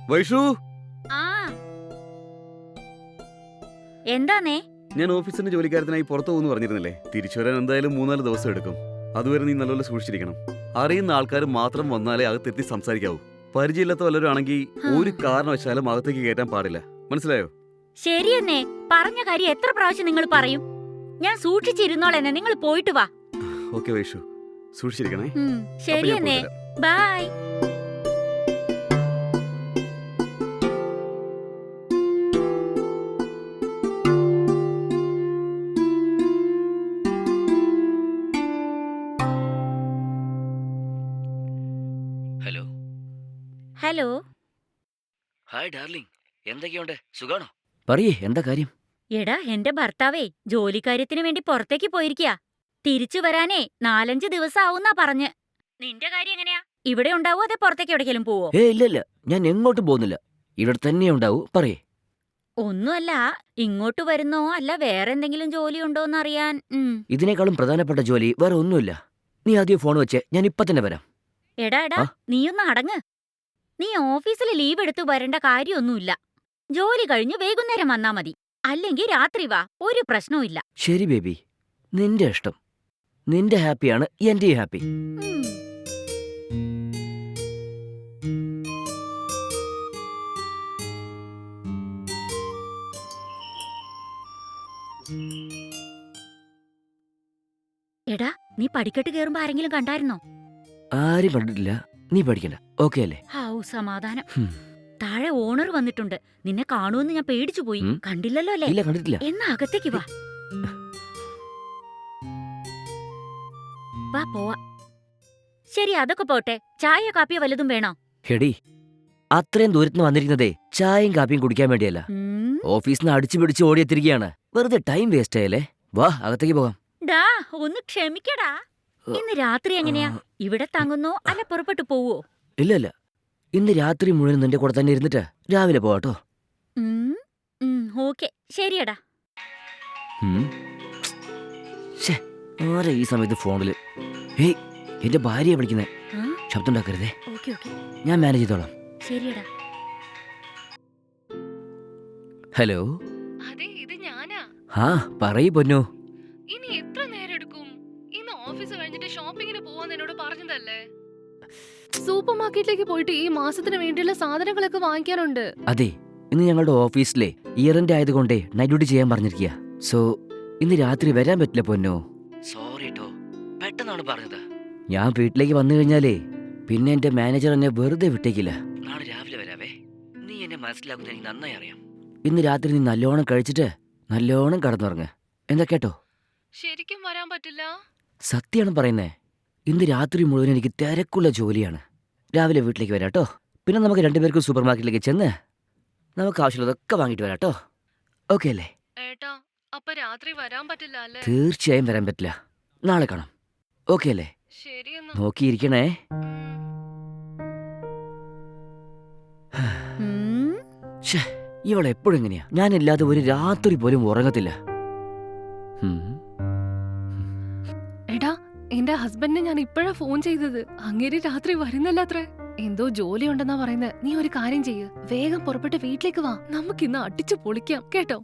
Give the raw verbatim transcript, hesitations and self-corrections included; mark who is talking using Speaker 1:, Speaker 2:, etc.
Speaker 1: വൈഷു,
Speaker 2: ആ എന്താന്നേ?
Speaker 1: ഞാൻ ഓഫീസിന്റെ ജോലിക്കാരത്തിനായി പുറത്തു പോകുന്നു പറഞ്ഞിരുന്നില്ലേ? തിരിച്ചു വരാൻ എന്തായാലും മൂന്നാല് ദിവസം എടുക്കും. അതുവരെ നീ നല്ലപോലെ സൂക്ഷിച്ചിരിക്കണം. അറിയുന്ന ആൾക്കാർ മാത്രം വന്നാലേ അകത്തെത്തി സംസാരിക്കാവൂ. പരിചയമില്ലാത്ത വല്ലവരും ആണെങ്കിൽ ഒരു കാരണവശാലും അകത്തേക്ക് കയറ്റാൻ പാടില്ല. മനസ്സിലായോ?
Speaker 2: ശരിയെന്നേ, പറഞ്ഞ കാര്യം എത്ര പ്രാവശ്യം നിങ്ങൾ പറയും? ഞാൻ സൂക്ഷിച്ചിരുന്നോളെന്നെ, നിങ്ങൾ പോയിട്ട് വാ.
Speaker 1: ഓക്കെ വൈഷു, സൂക്ഷിച്ചിരിക്കണേ.
Speaker 2: ശരിയെന്നേ, bye.
Speaker 3: Hello.
Speaker 2: Hello.
Speaker 3: Hi darling, എന്തൊക്കെയുണ്ട്? സുഖാണോ? പറയേ, എന്താ കാര്യം?
Speaker 2: എടാ, എന്റെ ഭർത്താവേ ജോലിക്കാര്യത്തിന് വേണ്ടി പുറത്തേക്ക് പോയിരിക്കാ. തിരിച്ചു വരാനേ നാലഞ്ച് ദിവസം ആവുന്നാ പറഞ്ഞ്. നിന്റെ കാര്യം എങ്ങനെയാ? ഇവിടെ ഉണ്ടാവോ അതെ പുറത്തേക്ക് എവിടേക്കെങ്കിലും പോവോ?
Speaker 3: ഏ ഇല്ല ഇല്ല, ഞാൻ എങ്ങോട്ടും പോകുന്നില്ല. ഇവിടെ തന്നെ ഉണ്ടാവൂ. പറയേ.
Speaker 2: ഒന്നുമല്ല, ഇങ്ങോട്ട് വരുന്നോ അല്ല വേറെ എന്തെങ്കിലും ജോലി ഉണ്ടോന്ന് അറിയാൻ.
Speaker 3: ഇതിനേക്കാളും പ്രധാനപ്പെട്ട ജോലി വേറെ ഒന്നുമില്ല. നീ ആദ്യം ഫോൺ വെച്ചേ, ഞാൻ ഇപ്പൊ തന്നെ വരാം.
Speaker 2: എടാ എടാ, നീയൊന്ന് അടങ്ങ്. നീ ഓഫീസിൽ ലീവ് എടുത്തു വരേണ്ട കാര്യമൊന്നുമില്ല. ജോലി കഴിഞ്ഞ് വൈകുന്നേരം വന്നാ മതി. അല്ലെങ്കിൽ രാത്രി വാ, ഒരു പ്രശ്നവും ഇല്ല.
Speaker 3: ശരി ബേബി, നിന്റെ ഇഷ്ടം. നിന്റെ ഹാപ്പിയാണ് എന്റെ ഹാപ്പി.
Speaker 2: എടാ, നീ പടിക്കെട്ട് കേറുമ്പോ ആരെങ്കിലും കണ്ടായിരുന്നോ?
Speaker 3: ആരും കണ്ടിട്ടില്ല. നീ പഠിക്കണ്ട, ഓക്കെ അല്ലേ?
Speaker 2: ഹൗ, സമാധാനം. താഴെ ഓണർ വന്നിട്ടുണ്ട്. നിന്നെ കാണുമെന്ന് ഞാൻ പേടിച്ചു പോയി. കണ്ടില്ലല്ലോ അല്ലേ?
Speaker 3: ഇല്ല, കണ്ടിട്ടില്ല.
Speaker 2: എന്നാ അകത്തേക്ക് വാ. വാ പോവാ. ശരി, അതൊക്കെ പോട്ടെ. ചായ കാപ്പിയോ വല്ലതും വേണോ?
Speaker 3: ഹെടി, അത്രയും ദൂരത്തുനിന്ന് വന്നിരിക്കുന്നതേ ചായയും കാപ്പിയും കുടിക്കാൻ വേണ്ടിയല്ല. ഓഫീസിൽ നിന്ന് അടിച്ചു പിടിച്ച് ഓടിയെത്തിരിക്കുകയാണ്. വെറുതെ ടൈം വേസ്റ്റ് ആയല്ലേ. വാ, അകത്തേക്ക് പോകാം.
Speaker 2: ഡാ, ഒന്ന് ക്ഷമിക്കടാ. ഇന്ന് രാത്രി എങ്ങനെയാ? ഇവിടെ തങ്ങുന്നോ അല്ല പുറപ്പെട്ടു പോവോ?
Speaker 3: ഇല്ല ഇല്ല, ഇന്ന് രാത്രി മുഴുവൻ നിന്റെ കൂടെ തന്നെ ഇരുന്നിട്ട് രാവിലെ പോവാട്ടോ.
Speaker 2: ഓക്കെ, ശരിയടാ.
Speaker 3: ആരാ ഈ സമയത്ത് ഫോണില്? ഏയ്, എന്റെ ഭാര്യയെ വിളിക്കുന്നേ. ശബ്ദം ഉണ്ടാക്കരുതേ. ഞാൻ മാനേജ് ചെയ്തോളാം.
Speaker 2: ശരിയടാ.
Speaker 3: ഹലോ.
Speaker 4: അതെ, ഇത് ഞാനാ.
Speaker 3: ആ പറയ് പൊന്നു.
Speaker 4: ഇനി എത്ര നേരം എടുക്കും? ഇന്ന് ഓഫീസ് കഴിഞ്ഞിട്ട് ഷോപ്പിങ്ങിന് പോവാന്ന് എന്നോട് പറഞ്ഞതല്ലേ? സൂപ്പർ മാർക്കറ്റിലേക്ക് പോയിട്ട് ഈ മാസത്തിന് വേണ്ടിയുള്ള സാധനങ്ങളൊക്കെ വാങ്ങിക്കാനുണ്ട്.
Speaker 3: അതെ, ഇന്ന് ഞങ്ങളുടെ ഓഫീസിലെ ഇയർ എൻഡ് ആയതുകൊണ്ടേ നൈറ്റ് ഡ്യൂട്ടി ചെയ്യാൻ പറഞ്ഞിരിക്കുക. സോ ഇന്ന് രാത്രി വരാൻ പറ്റില്ല പൊന്നോ. സോറി ട്ടോ, പെട്ടെന്നാണ് പറഞ്ഞത്. ഞാൻ വീട്ടിലേക്ക് വന്നു കഴിഞ്ഞാലേ പിന്നെ എന്റെ മാനേജർ എന്നെ വെറുതെ വിട്ടേക്കില്ല. നാളെ രാവിലെ വരാവേ. നീ എന്നെ മനസ്സിലാക്കുന്ന എനിക്ക് നന്നായി അറിയാം. ഇന്ന് രാത്രി നീ നല്ലോണം കഴിച്ചിട്ട് നല്ലോണം കടന്നുറങ്ങ്. എന്താ കേട്ടോ?
Speaker 4: ശരിക്കും വരാൻ പറ്റില്ല.
Speaker 3: സത്യമാണ് പറയുന്നേ. ഇന്ന് രാത്രി മുഴുവൻ എനിക്ക് തിരക്കുള്ള ജോലിയാണ്. രാവിലെ വീട്ടിലേക്ക് വരാട്ടോ. പിന്നെ നമുക്ക് രണ്ടുപേർക്കും സൂപ്പർ മാർക്കറ്റിലേക്ക് ചെന്ന് നമുക്ക് ആവശ്യമുള്ളതൊക്കെ വാങ്ങിട്ട് വരാട്ടോ. ഓക്കെ അല്ലേ?
Speaker 4: ഏട്ടാ, അപ്പൊ രാത്രി വരാൻ പറ്റില്ല അല്ലേ?
Speaker 3: തീർച്ചയായും വരാൻ പറ്റില്ല. നാളെ കാണാം. ഓക്കെ അല്ലേ?
Speaker 4: ശരിയെന്നാ.
Speaker 3: നോക്കിയിരിക്കണേ. ഇവളെപ്പോഴും എങ്ങനെയാ? ഞാനില്ലാതെ ഒരു രാത്രി പോലും ഉറങ്ങത്തില്ല.
Speaker 4: എടാ, എന്റെ ഹസ്ബൻഡിനെ ഞാൻ ഇപ്പോഴാ ഫോൺ ചെയ്തത്. അങ്ങേര് രാത്രി വരുന്നല്ലാത്രേ. എന്തോ ജോലി ഉണ്ടെന്നാ പറയുന്നത്. നീ ഒരു കാര്യം ചെയ്യ്, വേഗം പുറപ്പെട്ട് വീട്ടിലേക്ക് വാ. നമുക്കിന്ന് അടിച്ചു പൊളിക്കാം കേട്ടോ.